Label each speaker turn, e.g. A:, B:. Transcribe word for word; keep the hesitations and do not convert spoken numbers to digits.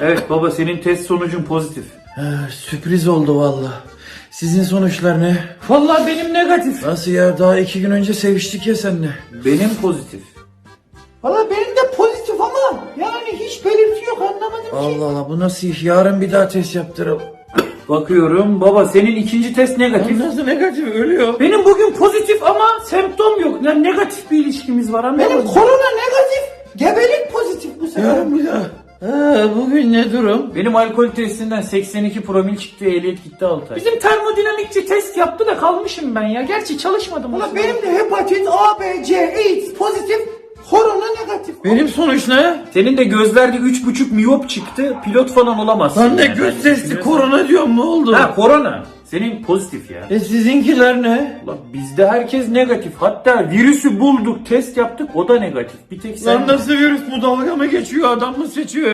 A: Evet baba, senin test sonucun pozitif.
B: Ha, sürpriz oldu valla. Sizin sonuçlar ne?
A: Vallahi benim negatif.
B: Nasıl ya, daha iki gün önce seviştik ya seninle.
A: Benim pozitif.
C: Valla benim de pozitif ama yani hiç belirti yok, anlamadım ki.
B: Allah Allah, bu nasıl iş? Yarın bir daha test yaptıralım.
A: Bakıyorum baba, senin ikinci test negatif.
B: Nasıl negatif, ölüyor.
A: Benim bugün pozitif ama semptom yok. Yani negatif bir ilişkimiz var, anladın
C: Benim
A: mı?
C: korona negatif, gebelik pozitif bu sefer.
B: Yarın bir daha. Ha, bugün ne durum?
A: Benim alkol testinden seksen iki promil çıktı, ehliyet gitti altı ay. Bizim termodinamikçi test yaptı da kalmışım ben ya. Gerçi çalışmadım.
C: Valla benim de hepatit A, B, C, AIDS pozitif, korona negatif.
B: Benim sonuç ne?
A: Senin de gözlerde üç buçuk miyop çıktı, pilot falan olamazsın.
B: Lan ne
A: yani.
B: göz testi, korona diyorum, ne oldu?
A: Ha, korona. Senin pozitif ya.
B: E sizinkiler ne?
A: Ulan bizde herkes negatif. Hatta virüsü bulduk, test yaptık, o da negatif. Bir tek sen...
B: Lan nasıl virüs bu, dalga mı geçiyor, adam mı seçiyor?